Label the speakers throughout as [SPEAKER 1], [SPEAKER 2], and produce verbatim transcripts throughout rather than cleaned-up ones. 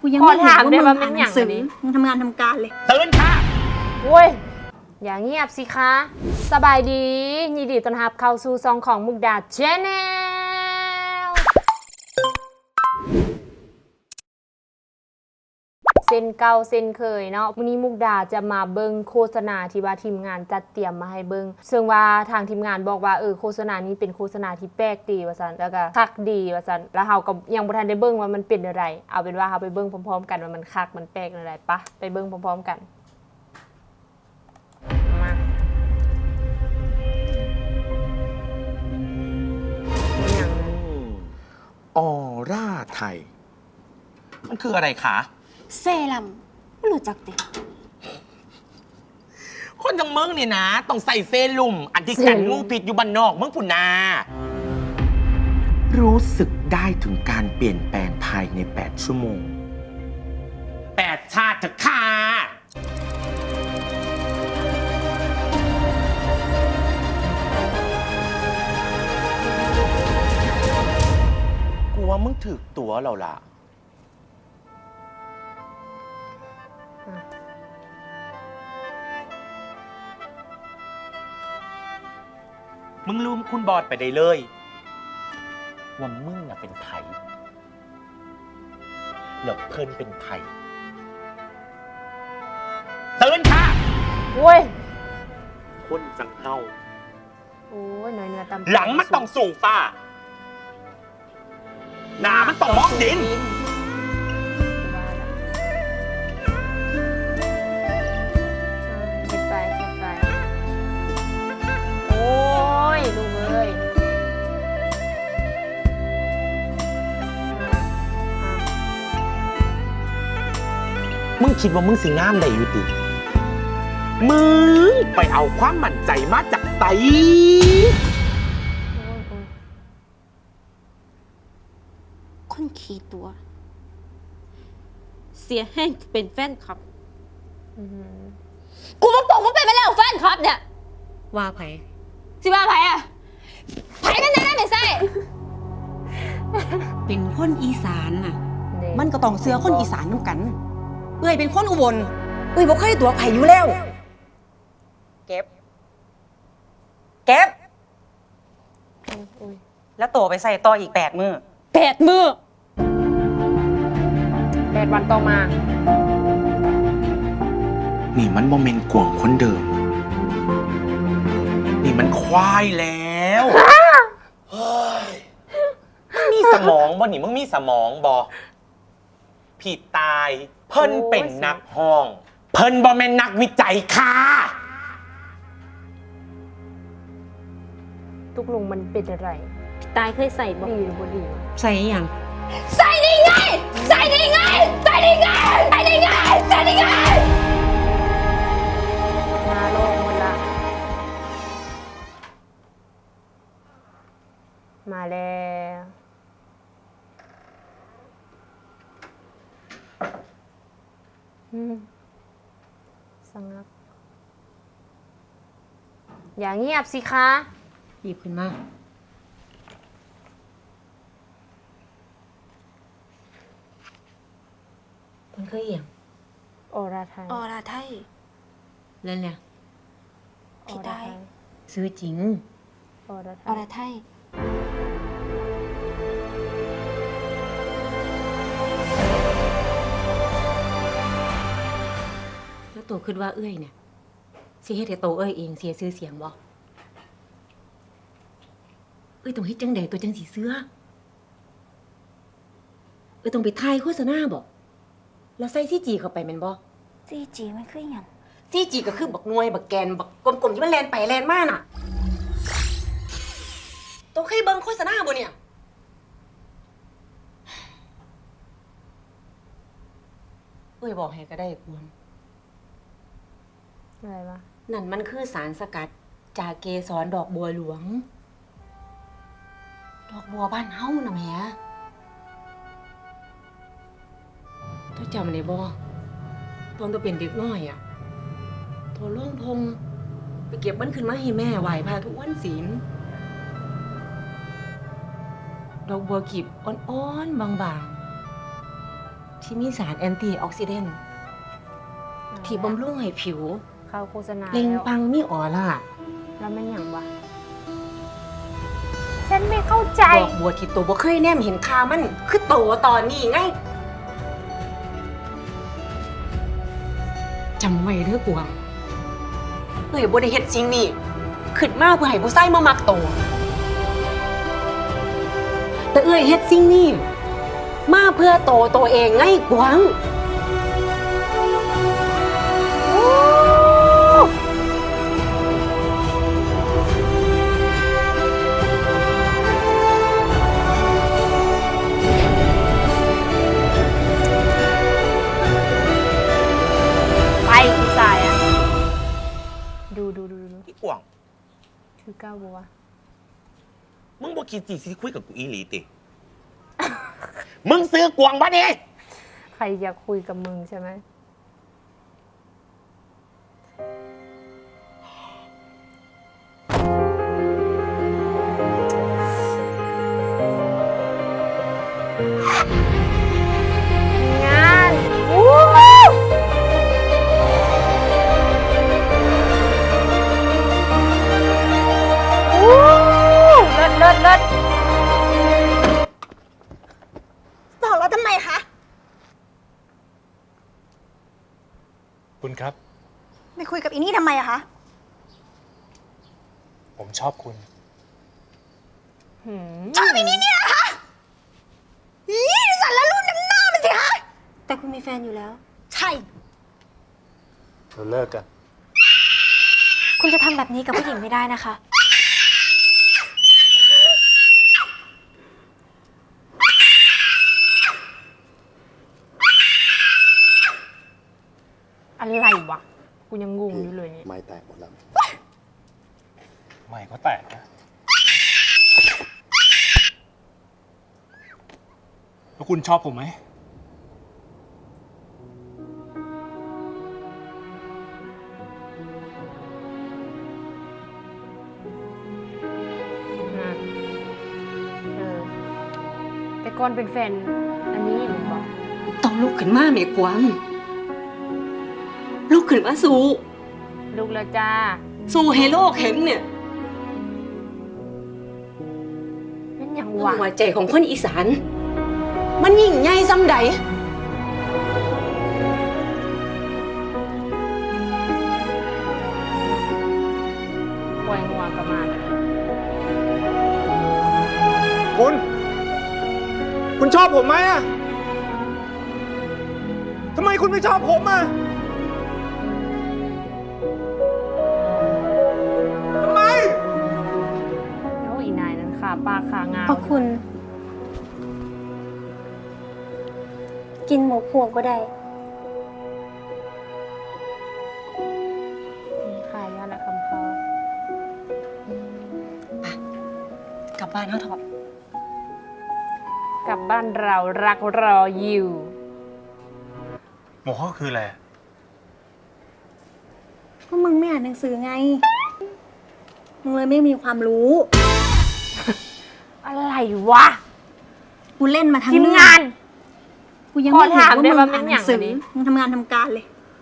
[SPEAKER 1] กูยังไม่เห็นว่ามึงอ่านหนังสือมึงทำงานทำการเลย
[SPEAKER 2] ตื่นค่ะ
[SPEAKER 3] โว้ยอย่างเงียบสิคะสบายดียินดีต้อนรับเข้าสู่ซองของมุกดาแชนแนลเส้นเก่าเส้นเคยเนาะวันนี้มุกดาจะมาเบิ้งโฆษณาที่ว่าทีมงานจัดเตรียมมาให้เบิ้งซึ่งว่าทางทีมงานบอกว่าเออโฆษณานี้เป็นโฆษณาที่แปลกดีว่าซั่นแล้วก็คักดีว่าซั่นแล้วเฮาก็ยังบ่ทันได้เบิ้งว่ามันเป็นอะไรเอาเป็นว่าเฮาไปเบิ้งพร้อมๆกันว่ามันคักมันแปลกอะไรปะไปเบิ้งพร้อมๆกันมาอย่างนั้น
[SPEAKER 2] ออร่าไทยมันคืออะไรคะ
[SPEAKER 1] เซรั่มไม่รู้จักติ
[SPEAKER 2] คนจังเมืองเนี่ยนะต้องใส่เซรุ่มอันที่กันงูพิษอยู่บ้านนอกเมืองพุนารู้สึกได้ถึงการเปลี่ยนแปลงภายในแปดชั่วโมงแปดชาติจะค่ะกูว่ามึงถือตัวเราล่ะมึงลืมคุณบอดไปได้เลยว่ามึงอะเป็นไผ่แล้วเพิ่นเป็นไผ่ตื่นค่ะ
[SPEAKER 3] โว้ย
[SPEAKER 2] คนจังเฮา
[SPEAKER 3] โอ้ยน้อยเนื้อตำ
[SPEAKER 2] หลังมันต้องสูงฟ้าหน้ามันต้องมองดิน
[SPEAKER 3] คิดไปคิดไปโอ้ยลูกเอ้ย
[SPEAKER 2] มึงคิดว่ามึงสิงามได้อยู่ติมึงไปเอาความมั่นใจมาจากไส
[SPEAKER 1] คนขี่ตัว เสียแห้งเป็นแฟนคลับกูมาปกมึงเป็นไปแล้วแฟนคลับเนี่ยว่าไผสิว่าไผอะไผนั่นนั่นไม่ใช่เป็นคนอีสานน่ะมันก็ต้องเสือคนอีสานน้ำกันเอ้ยเป็นคนอุบลเอ้ยบ่เคยตัวไผอยู่แล้วเก็บเก็บแล้วตัวไปใส่ต่ออีกแปดมือแปดมือ
[SPEAKER 3] แปดวันต่อมา
[SPEAKER 2] นี่มันโมเมนต์กวงคนเดิมนี่มันควายแล้วเฮ้ยมึงมีสมองบ่นี่มึงมีสมองบ่ผิดตายเพิ่นเป็นนักห้องเพิ่นบ่แม่นนักวิจัยค่ะ
[SPEAKER 3] ทุกลุงมันเป็นอะไร
[SPEAKER 1] ตายเคยใส่บ่
[SPEAKER 3] ดีหรือบ่ดี
[SPEAKER 1] ใส่ยังใส่ได้ไงใส่ได้ไงใส่ได้ไงใส่ได้ไงใส่ได้ไง
[SPEAKER 3] มาโลกหมดละมาแล้วสงับอย่าเงียบสิคะ
[SPEAKER 1] หยิบขึ้นมามันคืออย่าง
[SPEAKER 3] ออราไทย
[SPEAKER 1] ออราไทยเล่นเนี่ยพี่ได้ซื้อจริง
[SPEAKER 3] ออราไทย
[SPEAKER 1] ออราไทยแล้วโตคิดว่าเอ้ยเนี่ยสิเฮ็ดให้โตเอ้ยเองเสียชื่อเสียงบ่เอ้ยต้องเฮ็ดจังใดตัวจังสิเสื้อเอ้ยต้องไปถ่ายโฆษณาบ่แล้วใส่ซีจีเข้าไปแม่นบ่ซีจีมันคือหยังซีจีก็คือบักหน่วยบักแกนบักกลมๆที่มันแล่นไปแล่นมาน่ะโตเคยเบิ่งโฆษณาบ่เนี่ยเอ้ยบอกให้ก็ได้ควร
[SPEAKER 3] อะไรวะ
[SPEAKER 1] นั่นมันคือสารสกัดจากเกสรดอกบัวหลวงดอกบัวบ้านเฮาน่ะแหมตัวจำได้บ่ตอนตัวเป็นเด็กน้อยอ่ะตัวล่องทงไปเก็บมันขึ้นมาให้แม่ไหว้พระทุกวันศีลดอกบัวขีบอ่อนๆบางๆที่มีสารแอนตี้ออกซิเดนต์ที่บำรุงให้ผิว
[SPEAKER 3] เข้าโฆษณา
[SPEAKER 1] เปล่ง
[SPEAKER 3] แล้ว
[SPEAKER 1] ปลังมีออร่า
[SPEAKER 3] แล้วมันอย่างวะฉันไม่เข้าใจ
[SPEAKER 1] ดอกบัวที่โตบ่เคยแนมเห็นค่ามัน คือโตตอนนี้ไงจำไว้เด้อกวางเอ้ยบ่ได้เฮ็ดสิ่งนี้ขึ้นมาเพื่อให้ผู้ชายมามักโต แต่เอ้ยเฮ็ดสิ่งนี้มาเพื่อโตตัวเองไงกวาง
[SPEAKER 3] ไปพี่สายอ่ะ ดูดูดูดู
[SPEAKER 2] อีกวาง
[SPEAKER 3] คือก้าวบัว
[SPEAKER 2] มึงบ่คิดสิสิคุยกับกูอีหลีติ มึงซื้อกวางบ่นี่
[SPEAKER 3] ใครอยากคุยกับมึงใช่ไหมงานวู้ฮู้วู้เลิศเลิศเลิศ
[SPEAKER 4] ตอบแล้วทำไมคะ
[SPEAKER 5] คุณครับ
[SPEAKER 4] ไม่คุยกับอีนี่ทำไมอะคะ
[SPEAKER 5] ผมชอบคุณ
[SPEAKER 3] หืม
[SPEAKER 4] ชอบอีนี่เนี่ยนะคะอีสันแล้วรุ่นน้ำหน้ามันสิคะ
[SPEAKER 6] แต่คุณมีแฟนอยู่แล้ว
[SPEAKER 4] ใช่
[SPEAKER 5] เราเลิกกัน
[SPEAKER 6] คุณจะทำแบบนี้กับผู้หญิงไม่ได้นะคะ
[SPEAKER 3] อะไรวะ กูยังงงอยู่เลยเนี่ย
[SPEAKER 7] ไม่แตกหมดแล้ว
[SPEAKER 5] ไม่ก็แตกนะแล้วคุณชอบผมไหม
[SPEAKER 3] อ่ะเออ แต่ก่อนเป็นแฟน อันนี้มึงบอก
[SPEAKER 1] ต้องลุกขึ้นมาแม่กวางลุกขึ้นมาสู้
[SPEAKER 3] ลูกแล้วจ้า
[SPEAKER 1] สู้ให้โลกเห็นเนี่ย
[SPEAKER 3] เป็นอย่าง
[SPEAKER 1] หั
[SPEAKER 3] วะ
[SPEAKER 1] วใจของคนอีสาน มันยิ่งใหญ่ซ้ำใด
[SPEAKER 3] ปล่อยงัวกลับมาเลย
[SPEAKER 5] คุณ คุณชอบผมไหมอะทำไมคุณไม่ชอบผมอะทำไม
[SPEAKER 3] แล้วอีนายนั้นขาปากขางาว
[SPEAKER 6] เพราะคุณ กินหมูพวงก็ได้
[SPEAKER 3] ขายยาและคำพอก
[SPEAKER 1] ลับบ้านเขาเถอะ
[SPEAKER 3] กลับบ้านเรารักรออยู่
[SPEAKER 5] หมูข้อคืออะไร
[SPEAKER 4] ก็มึงไม่อ่านหนังสือไง มึงเลยไม่มีความรู้
[SPEAKER 3] อะไรวะ
[SPEAKER 4] กูเล่นมาทั้ง
[SPEAKER 3] ทีม
[SPEAKER 4] เรื่อง
[SPEAKER 3] งาน
[SPEAKER 4] กูยังไม่
[SPEAKER 3] ขอ
[SPEAKER 4] เห็น
[SPEAKER 3] ถาม
[SPEAKER 4] ว่า
[SPEAKER 3] ได้
[SPEAKER 4] มึง
[SPEAKER 3] ว่า
[SPEAKER 4] อ่าน
[SPEAKER 3] มัน
[SPEAKER 4] หนังสือ
[SPEAKER 3] อย่างไร
[SPEAKER 4] มึงทำงานทำการเลย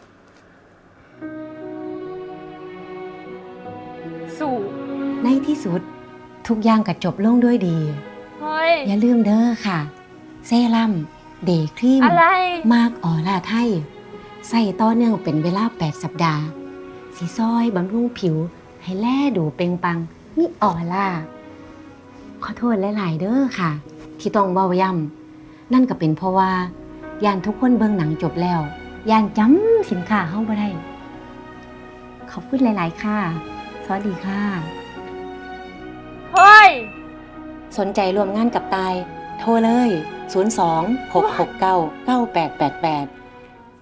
[SPEAKER 3] สู่
[SPEAKER 1] ในที่สุด ทุกอย่างก็จบลงด้วยดี
[SPEAKER 3] เฮ้ย
[SPEAKER 1] อย่าลืมเด้อค่ะ เซรั่มเดย์ครีม
[SPEAKER 3] อะไร
[SPEAKER 1] มากออร่าไทย ใส่ต่อเนื่องเป็นเวลาแปดสัปดาห์ สีซอยบำรุงผิว ให้แลดูเปล่งปลัง มีออร่า ขอโทษหลายๆเด้อค่ะ ที่ต้องเว้าย่ำนั่นก็เป็นเพราะว่าย่านทุกคนเบิ่งหนังจบแล้วย่านจำสินค้าเฮาบ่ได้ ขอบคุณหลาย ๆ ค่ะ สวัสดีค่ะ
[SPEAKER 3] เฮ้ย
[SPEAKER 1] สนใจรวมงานกับตาย โทรเลย ศูนย์ สอง หก หก เก้า เก้า แปด แปด แปด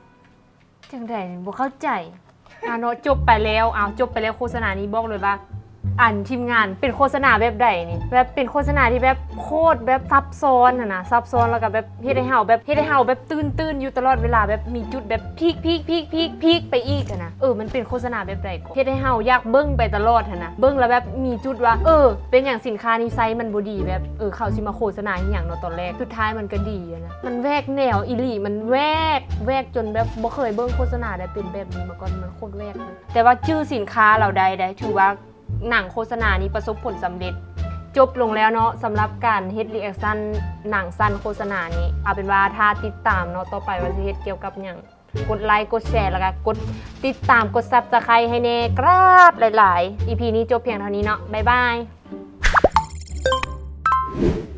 [SPEAKER 3] จังไดบ่เข้าใจอ่ะเนาะจบไปแล้วอ้าวจบไปแล้วโฆษณานี้บอกเลยว่าอันทีมงานเป็นโฆษณาแบบใดนี่แบบเป็นโฆษณาที่แบบโคตรแบบซับซ้อนอะนะซับซ้อนแล้วก็แบบเฮ็ดให้เฮาแบบเฮ็ดให้เฮาแบบตื่นตื่นอยู่ตลอดเวลาแบบมีจุดแบบพีคพีคพีคพีคพีคไปอีกอะนะเออมันเป็นโฆษณาแบบใดก็เฮ็ดให้เฮาอยากเบิ่งไปตลอดอะนะเบิ่งแล้วแบบมีจุดว่าเออเป็นอย่างสินค้านี้ไซส์มันบ่ดีแบบเออเขาสิมาโฆษณาอหย่างเนาะตอนแรกสุดท้ายมันก็ดีอะนะมันแวกแนวอีหลีมันแวกแวกจนแบบบ่เคยเบิ่งโฆษณาได้เป็นแบบนี้มาก่อนมันโคตรแวกเลยแต่ว่าชื่อสินค้าเราได้ได้ถือว่าหนังโฆษณานี้ประสบผลสำเร็จจบลงแล้วเนาะสำหรับการเฮ็ดรีแอคชั่นหนังสั้นโฆษณานี้เอาเป็นว่าถ้าติดตามเนาะต่อไปว่าสิเฮ็ดเกี่ยวกับหยังกดไลค์กดแชร์แล้วก็กดติดตามกด Subscribe ให้แน่กราบหลายๆ อี พี นี้จบเพียงเท่านี้เนาะบ๊ายบาย